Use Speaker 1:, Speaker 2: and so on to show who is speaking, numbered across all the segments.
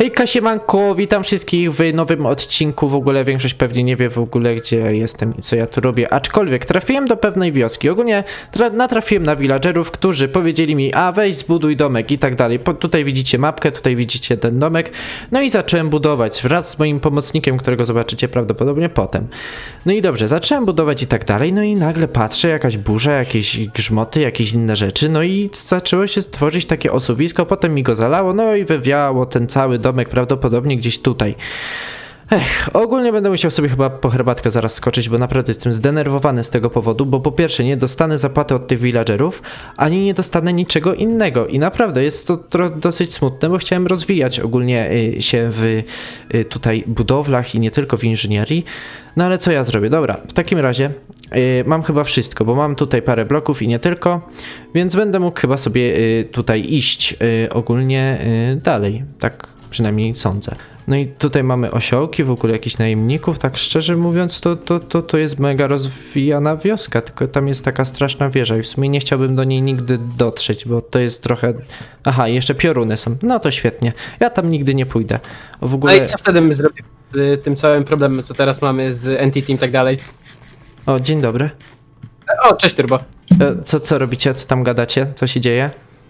Speaker 1: Hejka, siemanko, witam wszystkich w nowym odcinku. W ogóle większość pewnie nie wie w ogóle, gdzie jestem i co ja tu robię. Aczkolwiek trafiłem do pewnej wioski. Ogólnie natrafiłem na villagerów, którzy powiedzieli mi, a weź zbuduj domek i tak dalej. Tutaj widzicie mapkę, tutaj widzicie ten domek. No i zacząłem budować wraz z moim pomocnikiem, którego zobaczycie prawdopodobnie potem. No i dobrze, zacząłem budować i tak dalej. No i nagle patrzę, jakaś burza, jakieś grzmoty, jakieś inne rzeczy. No i zaczęło się tworzyć takie osuwisko, potem mi go zalało, no i wywiało ten cały domek prawdopodobnie gdzieś tutaj. Ogólnie będę musiał sobie chyba po herbatkę zaraz skoczyć, bo naprawdę jestem zdenerwowany z tego powodu, bo po pierwsze nie dostanę zapłaty od tych villagerów, ani nie dostanę niczego innego i naprawdę jest to dosyć smutne, bo chciałem rozwijać ogólnie się w tutaj budowlach i nie tylko w inżynierii, no ale co ja zrobię? Dobra, w takim razie mam chyba wszystko, bo mam tutaj parę bloków i nie tylko, więc będę mógł chyba sobie tutaj iść ogólnie dalej, tak przynajmniej sądzę. No i tutaj mamy osiołki, w ogóle jakichś najemników, tak szczerze mówiąc to jest mega rozwijana wioska, tylko tam jest taka straszna wieża i w sumie nie chciałbym do niej nigdy dotrzeć, bo to jest trochę... Aha, i jeszcze pioruny są, no to świetnie, ja tam nigdy nie pójdę. W ogóle...
Speaker 2: No i co wtedy my zrobimy z tym całym problemem, co teraz mamy z Entity i tak dalej?
Speaker 1: O, dzień dobry.
Speaker 2: O, cześć Turbo.
Speaker 1: Co robicie, co tam gadacie, co się dzieje?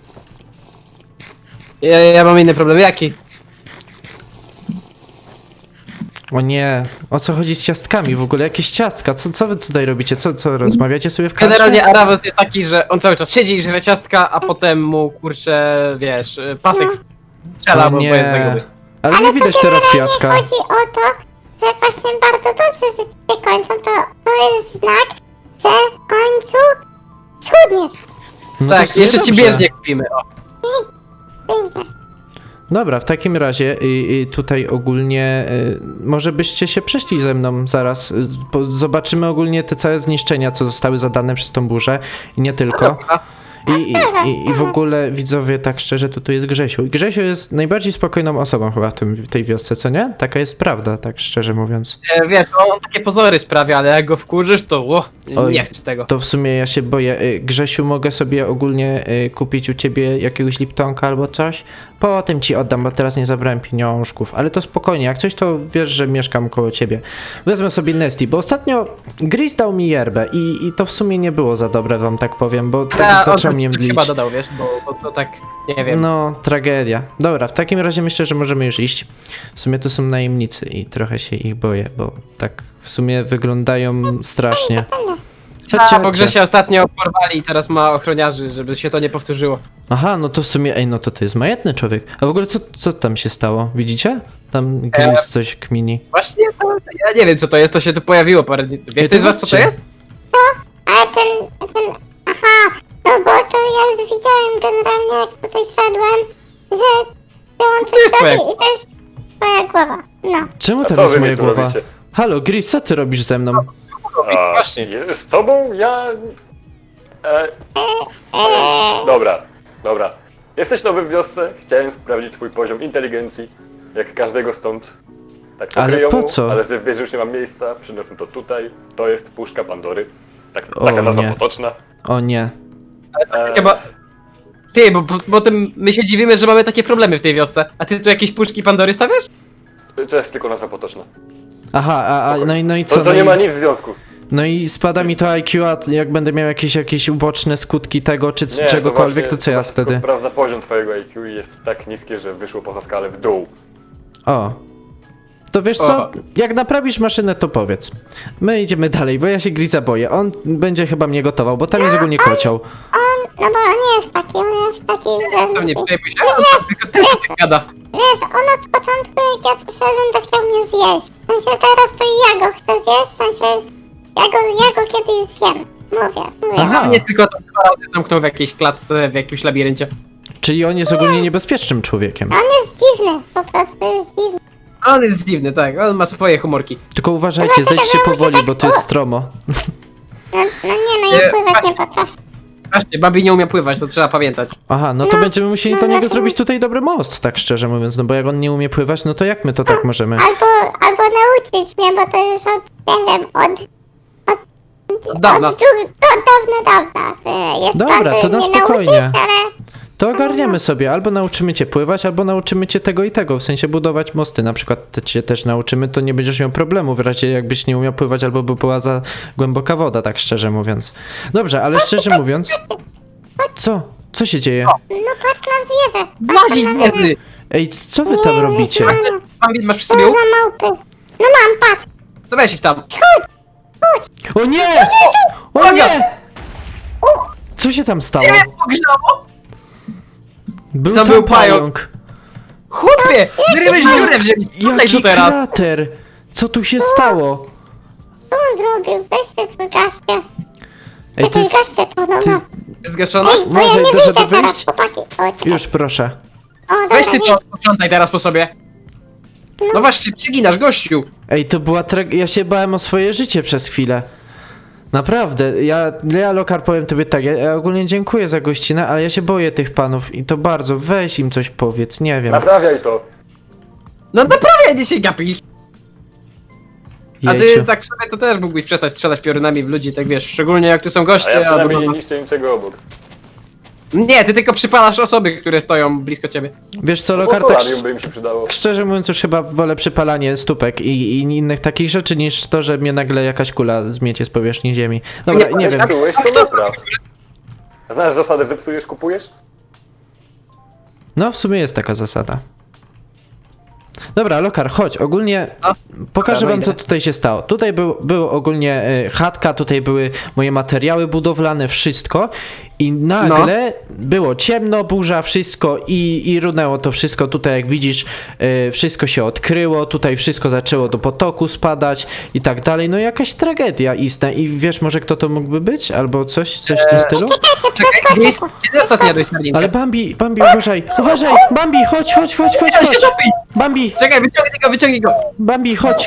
Speaker 2: Ja mam inny problem, jaki?
Speaker 1: O nie, o co chodzi z ciastkami w ogóle? Jakieś ciastka? Co wy tutaj robicie? Co rozmawiacie sobie w karczmie?
Speaker 2: Generalnie Aravos jest taki, że on cały czas siedzi i żre ciastka, a potem mu, kurczę, wiesz, pasek strzela,
Speaker 1: O
Speaker 2: bo
Speaker 1: nie.
Speaker 2: jest za gruby.
Speaker 1: Ale nie widać teraz piaska.
Speaker 3: Chodzi o to, że właśnie bardzo dobrze, że cię kończą, to jest znak, że w końcu schudniesz.
Speaker 1: No to w
Speaker 2: Tak,
Speaker 1: sumie
Speaker 2: jeszcze ci
Speaker 1: dobrze.
Speaker 2: bieżnie kupimy, o.
Speaker 3: Pięknie.
Speaker 1: Dobra, w takim razie tutaj ogólnie może byście się przeszli ze mną zaraz. Zobaczymy ogólnie te całe zniszczenia, co zostały zadane przez tą burzę i nie tylko. I w ogóle widzowie, tak szczerze, to tu jest Grzesiu. I Grzesiu jest najbardziej spokojną osobą chyba w tej wiosce, co nie? Taka jest prawda, tak szczerze mówiąc.
Speaker 2: Wiesz, on takie pozory sprawia, ale jak go wkurzysz, to
Speaker 1: Oj,
Speaker 2: nie chcę tego.
Speaker 1: To w sumie ja się boję. Grzesiu, mogę sobie ogólnie kupić u ciebie jakiegoś Liptonka albo coś? Potem ci oddam, bo teraz nie zabrałem pieniążków, ale to spokojnie, jak coś to wiesz, że mieszkam koło ciebie. Wezmę sobie Nesty, bo ostatnio Gris dał mi yerbę i to w sumie nie było za dobre, wam tak powiem, bo tak zaczął mnie mdlić.
Speaker 2: Chyba dodał, wiesz, bo to tak, nie wiem.
Speaker 1: No, tragedia. Dobra, w takim razie myślę, że możemy już iść. W sumie to są najemnicy i trochę się ich boję, bo tak w sumie wyglądają strasznie. Chodźcie,
Speaker 2: Bo Grzesia ostatnio porwali i teraz ma ochroniarzy, żeby się to nie powtórzyło.
Speaker 1: Aha, no to w sumie, no to jest majętny człowiek. A w ogóle co tam się stało? Widzicie? Tam Gris coś kmini.
Speaker 2: Właśnie to, ja nie wiem co to jest, to się tu pojawiło parę dni. Wie ktoś z was co to jest?
Speaker 3: Ale aha, no bo to ja już widziałem generalnie, jak tutaj szedłem, że on
Speaker 2: To
Speaker 3: coś
Speaker 2: jest twoja
Speaker 3: robi i to jest twoja głowa. No.
Speaker 1: Czemu
Speaker 4: A co
Speaker 1: teraz
Speaker 4: wy mi
Speaker 1: moja
Speaker 4: tu
Speaker 1: głowa?
Speaker 4: robicie?
Speaker 1: Halo, Gris, co ty robisz ze mną?
Speaker 4: A,
Speaker 2: Właśnie.
Speaker 4: Z tobą ja... Dobra. Jesteś nowy w wiosce, chciałem sprawdzić twój poziom inteligencji, jak każdego stąd. Tak po
Speaker 1: Ale
Speaker 4: kryjomu,
Speaker 1: po co?
Speaker 4: Ale że wiesz, że już nie mam miejsca, przyniosłem to tutaj. To jest puszka Pandory.
Speaker 1: O,
Speaker 4: Taka nazwa
Speaker 1: nie.
Speaker 4: potoczna.
Speaker 1: O nie.
Speaker 2: Chyba... Ty, bo potem my się dziwimy, że mamy takie problemy w tej wiosce. A ty tu jakieś puszki Pandory stawiasz?
Speaker 4: To jest tylko nazwa potoczna.
Speaker 1: Aha, no i co?
Speaker 4: To
Speaker 1: No
Speaker 4: nie ma
Speaker 1: i,
Speaker 4: nic w związku.
Speaker 1: no i spada mi to IQ, a jak będę miał jakieś uboczne skutki tego, czy
Speaker 4: Nie,
Speaker 1: czegokolwiek, to
Speaker 4: właśnie-
Speaker 1: co ja
Speaker 4: właśnie tylko
Speaker 1: wtedy?
Speaker 4: Sprawdza poziom twojego IQ i jest tak niskie, że wyszło poza skalę w dół.
Speaker 1: O. To wiesz co?
Speaker 2: O.
Speaker 1: Jak naprawisz maszynę, to powiedz. My idziemy dalej, bo ja się Grisa boję. On będzie chyba mnie gotował, bo tam jest ogólnie kocioł.
Speaker 3: No bo on nie jest taki, że...
Speaker 2: To nie przejmuj się, on tylko tyle tak gada.
Speaker 3: Wiesz, on od początku, jak ja przyszedłem, to chciał mnie zjeść. W sensie teraz to i ja go chcę zjeść, w sensie ja go kiedyś zjem. Mówię.
Speaker 1: Aha.
Speaker 2: Nie tylko tam 2 razy zamknął w jakiejś klatce, w jakimś labiryncie.
Speaker 1: Czyli on jest ogólnie niebezpiecznym człowiekiem.
Speaker 3: On jest dziwny, po prostu jest dziwny.
Speaker 2: A on jest dziwny, tak, on ma swoje humorki.
Speaker 1: Tylko uważajcie, zejdźcie powoli, bo to jest stromo.
Speaker 3: No nie, no
Speaker 2: Nie,
Speaker 3: ja pływać
Speaker 2: właśnie-
Speaker 3: nie potrafię.
Speaker 2: Właśnie, Babi nie umie pływać, to trzeba pamiętać.
Speaker 1: Aha, no to będziemy musieli do niego
Speaker 3: no to-
Speaker 1: zrobić tutaj dobry most, tak szczerze mówiąc, no bo jak on nie umie pływać, no to jak my to tak możemy?
Speaker 3: Albo nauczyć mnie, bo to już od, nie wiem,
Speaker 2: Od dawna.
Speaker 3: Od dawna. Jest
Speaker 1: Dobra,
Speaker 3: pan,
Speaker 1: to
Speaker 3: żeby
Speaker 1: na
Speaker 3: mnie
Speaker 1: spokojnie.
Speaker 3: nauczyć, ale...
Speaker 1: to ogarniemy sobie. Albo nauczymy cię pływać, albo nauczymy cię tego i tego. W sensie budować mosty. Na przykład cię też nauczymy, to nie będziesz miał problemu w razie jakbyś nie umiał pływać, albo by była za głęboka woda, tak szczerze mówiąc. Dobrze, ale szczerze mówiąc... Co? Co się dzieje?
Speaker 3: No patrz na wieżę.
Speaker 2: Włazić
Speaker 3: Patrz na wieżę.
Speaker 2: wieży!
Speaker 1: Ej, co wy tam robicie?
Speaker 2: Bambi, masz przy
Speaker 3: Co
Speaker 2: sobie łuk?
Speaker 3: za małpy. No mam, patrz.
Speaker 2: To weź ich tam.
Speaker 1: O nie! O nie! Co się tam stało?
Speaker 2: Nie, pogrzało!
Speaker 1: Był
Speaker 2: Tam
Speaker 1: tam
Speaker 2: był pająk.
Speaker 1: pająk.
Speaker 2: Chłopie! Wyryłeś dziurę w ziemi! Tutaj
Speaker 1: Jaki
Speaker 2: tu teraz!
Speaker 1: krater! Co tu się stało?
Speaker 3: Co on zrobił? Weźcie to gaście.
Speaker 1: Ej, to jest...
Speaker 3: Gaście to, no
Speaker 1: ty-
Speaker 3: no.
Speaker 2: Zgaszona?
Speaker 3: Ej, bo ja
Speaker 1: Może
Speaker 3: nie
Speaker 1: dasz
Speaker 3: wyjdę
Speaker 1: radę
Speaker 3: teraz,
Speaker 1: wyjść?
Speaker 3: chłopaki. O,
Speaker 1: Już, proszę.
Speaker 3: o,
Speaker 2: Weź ty
Speaker 3: dobra,
Speaker 2: to, sprzątaj teraz po sobie. No właśnie, przyginasz, gościu!
Speaker 1: Ej, to była ja się bałem o swoje życie przez chwilę. Naprawdę, ja Lokar powiem tobie tak, ja ogólnie dziękuję za gościnę, ale ja się boję tych panów i to bardzo, weź im coś powiedz, nie wiem.
Speaker 4: Naprawiaj to.
Speaker 2: No naprawdę nie się gapisz! A ty
Speaker 1: Jejciu.
Speaker 2: tak w sobie to też mógłbyś przestać strzelać piorunami w ludzi, tak wiesz, szczególnie jak tu są
Speaker 4: A
Speaker 2: goście,
Speaker 4: ja przynajmniej nie
Speaker 2: albo...
Speaker 4: niszczę niczego obok.
Speaker 2: Nie, ty tylko przypalasz osoby, które stoją blisko ciebie.
Speaker 1: Wiesz co,
Speaker 4: No
Speaker 1: Lokar,
Speaker 4: bo
Speaker 1: tak
Speaker 4: solarium by im się przydało.
Speaker 1: szczerze mówiąc już chyba wolę przypalanie stópek i innych takich rzeczy niż to, że mnie nagle jakaś kula zmiecie z powierzchni ziemi. Dobra, nie wiem.
Speaker 4: Zepsułeś, to napraw. A znasz zasadę zepsujesz, kupujesz?
Speaker 1: No, w sumie jest taka zasada. Dobra, Lokar, chodź, ogólnie
Speaker 2: No.
Speaker 1: pokażę
Speaker 2: Dobra,
Speaker 1: wam, co
Speaker 2: idę.
Speaker 1: tutaj się stało. Tutaj było ogólnie chatka, tutaj były moje materiały budowlane, wszystko i nagle było ciemno, burza, wszystko i runęło to wszystko. Tutaj jak widzisz, wszystko się odkryło, tutaj wszystko zaczęło do potoku spadać i tak dalej. No jakaś tragedia istna i wiesz może kto to mógłby być? Albo coś w tym stylu?
Speaker 2: Czekaj, kiedy ostatnio jadłeś sardinkę?
Speaker 1: Ale Bambi, uważaj, uważaj! Bambi, chodź!
Speaker 2: Ja się topi!
Speaker 1: Bambi,
Speaker 2: Czekaj, wyciągnij go!
Speaker 1: Bambi, chodź!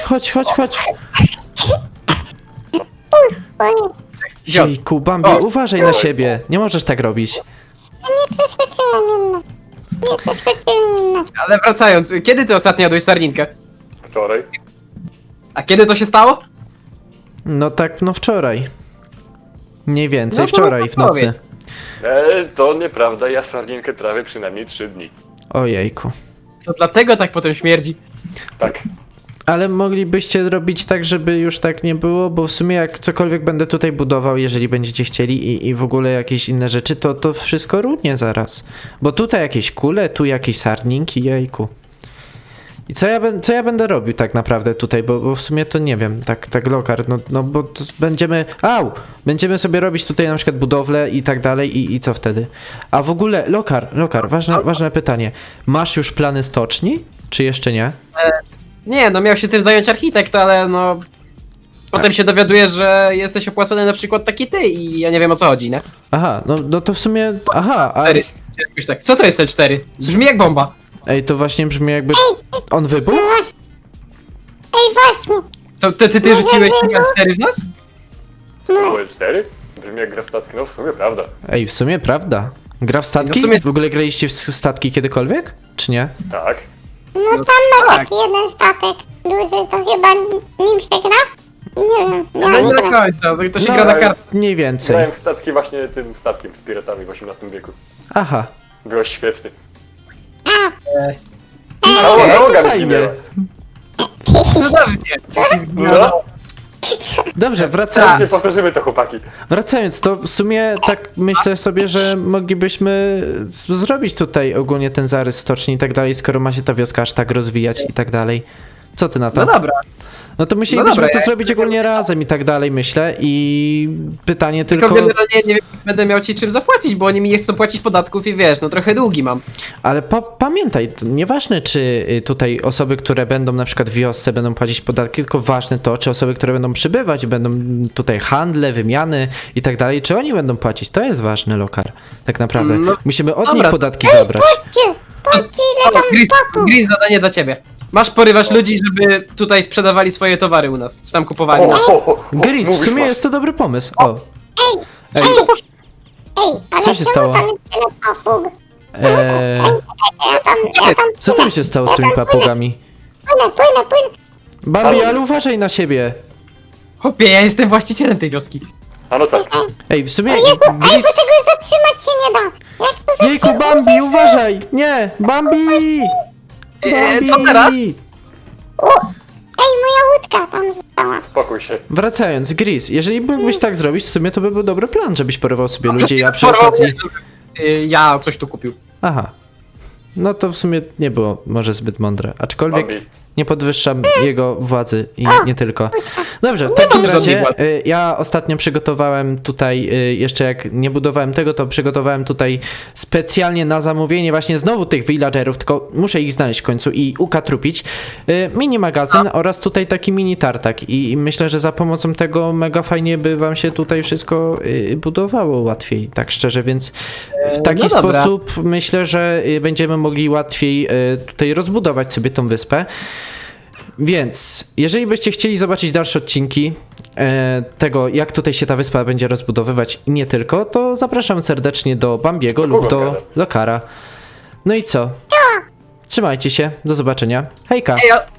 Speaker 2: Wziął.
Speaker 1: Jejku, Bambi,
Speaker 2: O.
Speaker 1: uważaj na siebie. Nie możesz tak robić.
Speaker 3: nie prześwieciłem inne. Nie prześwieciłem inne.
Speaker 2: Ale wracając, kiedy ty ostatnio jadłeś sardinkę?
Speaker 4: Wczoraj.
Speaker 2: A kiedy to się stało?
Speaker 1: No tak, no wczoraj. Mniej więcej,
Speaker 2: No to
Speaker 1: wczoraj w nocy.
Speaker 2: powiedz.
Speaker 4: To nieprawda, ja sardinkę trawię przynajmniej 3 dni.
Speaker 1: Ojejku.
Speaker 2: To dlatego tak potem śmierdzi.
Speaker 4: Tak.
Speaker 1: Ale moglibyście robić tak, żeby już tak nie było, bo w sumie jak cokolwiek będę tutaj budował, jeżeli będziecie chcieli i w ogóle jakieś inne rzeczy, to wszystko runie zaraz. Bo tutaj jakieś kule, tu jakieś sarninki, jejku. I co ja będę robił tak naprawdę tutaj, bo w sumie to nie wiem, tak Lokar, no bo to będziemy sobie robić tutaj na przykład budowlę i tak dalej i co wtedy? A w ogóle, Lokar, ważne pytanie, masz już plany stoczni, czy jeszcze nie?
Speaker 2: Nie, no miał się tym zająć architekt, ale no... Potem się dowiadujesz, że jesteś opłacony na przykład taki ty i ja nie wiem o co chodzi, nie?
Speaker 1: Aha, no to w sumie, a...
Speaker 2: 4. Jakoś tak. Co to jest L4? Brzmi jak bomba.
Speaker 1: Ej, to właśnie brzmi jakby... On wybuchł?
Speaker 3: Ej, właśnie.
Speaker 2: To ty rzuciłeś L4 w nas?
Speaker 4: Było 4? Brzmi jak gra w statki, no w sumie prawda.
Speaker 1: Ej, w sumie prawda. Gra w statki?
Speaker 2: No w sumie-
Speaker 1: W ogóle graliście w statki kiedykolwiek? Czy nie?
Speaker 4: Tak.
Speaker 3: No tam masz
Speaker 2: tak.
Speaker 3: taki jeden statek duży, to chyba nim się gra? Nie wiem, ja
Speaker 2: No
Speaker 3: nie
Speaker 2: nie do
Speaker 3: gram.
Speaker 2: końca, to się
Speaker 1: No,
Speaker 2: gra na
Speaker 4: ale-
Speaker 2: kartę.
Speaker 1: Mniej więcej.
Speaker 4: Grałem w statki właśnie tym statkiem z piratami w XVIII wieku.
Speaker 1: Aha.
Speaker 4: Byłeś świetny.
Speaker 3: A,
Speaker 4: Załoga mi
Speaker 1: fajnie.
Speaker 4: zginęła.
Speaker 2: Cudownie.
Speaker 4: No,
Speaker 1: Dobrze,
Speaker 4: teraz się
Speaker 1: wracając.
Speaker 4: powtórzymy to, chłopaki.
Speaker 1: Wracając, to w sumie tak myślę sobie, że moglibyśmy zrobić tutaj ogólnie ten zarys stoczni i tak dalej, skoro ma się ta wioska aż tak rozwijać i tak dalej. Co ty na to?
Speaker 2: No dobra.
Speaker 1: No to musielibyśmy
Speaker 2: dobra,
Speaker 1: to
Speaker 2: ja-
Speaker 1: zrobić ogólnie razem i tak dalej, myślę. I pytanie
Speaker 2: Tylko
Speaker 1: tylko...
Speaker 2: generalnie nie wiem, czy będę miał ci czym zapłacić, bo oni mi nie chcą płacić podatków i wiesz, no trochę długi mam.
Speaker 1: Ale pamiętaj, to nieważne czy tutaj osoby, które będą na przykład w wiosce będą płacić podatki, tylko ważne to, czy osoby, które będą przybywać, będą tutaj handle, wymiany i tak dalej, czy oni będą płacić. To jest ważny, Lokar. Tak naprawdę.
Speaker 2: No,
Speaker 1: Musimy od
Speaker 2: dobra.
Speaker 1: nich podatki zabrać.
Speaker 3: patrzcie ile tam papu.
Speaker 2: Gris, zadanie dla ciebie. Masz porywać ludzi, żeby tutaj sprzedawali swoje towary u nas, czy tam kupowali.
Speaker 1: Gris, w
Speaker 4: mówisz,
Speaker 1: sumie
Speaker 4: masz.
Speaker 1: jest to dobry pomysł. O. Ej,
Speaker 3: Ej, ale
Speaker 1: Co się
Speaker 3: czemu
Speaker 1: stało?
Speaker 3: tam jest tyle papug? Ja tam
Speaker 1: co tam się stało z tymi papugami?
Speaker 3: płynę.
Speaker 1: Bambi, ale uważaj na siebie.
Speaker 2: Chłopie, ja jestem właścicielem tej wioski.
Speaker 4: A no tak.
Speaker 1: Ej, w sumie
Speaker 3: Jezu, ej, bo
Speaker 1: Gris...
Speaker 3: tego zatrzymać się nie da. Jak to
Speaker 1: Jejku,
Speaker 3: zatrzymać?
Speaker 1: Bambi, uważaj! Nie, Bambi! Bambi!
Speaker 2: Co teraz?
Speaker 3: Ej, moja łódka tam została.
Speaker 4: Spokój się.
Speaker 1: Wracając, Gris, jeżeli mógłbyś tak zrobić, w sumie to by był dobry plan, żebyś porwał sobie ludzi, a przy
Speaker 2: Porwał
Speaker 1: okazji...
Speaker 2: mnie, żeby, ja coś tu kupił.
Speaker 1: Aha. No to w sumie nie było może zbyt mądre, aczkolwiek
Speaker 4: Bambi.
Speaker 1: nie podwyższam jego władzy i nie tylko. Dobrze, w takim
Speaker 2: mam żadnej
Speaker 1: razie
Speaker 2: władzy.
Speaker 1: ja ostatnio przygotowałem tutaj, jeszcze jak nie budowałem tego, to przygotowałem tutaj specjalnie na zamówienie właśnie znowu tych villagerów, tylko muszę ich znaleźć w końcu i ukatrupić. Mini magazyn oraz tutaj taki mini tartak i myślę, że za pomocą tego mega fajnie by wam się tutaj wszystko budowało łatwiej, tak szczerze, więc w taki
Speaker 2: No dobra.
Speaker 1: sposób myślę, że będziemy mogli łatwiej tutaj rozbudować sobie tą wyspę. Więc, jeżeli byście chcieli zobaczyć dalsze odcinki tego, jak tutaj się ta wyspa będzie rozbudowywać i nie tylko, to zapraszam serdecznie do Bambiego lub do
Speaker 4: gada?
Speaker 1: Lokara. No i co? Trzymajcie się, do zobaczenia. Hejka!
Speaker 2: Ej,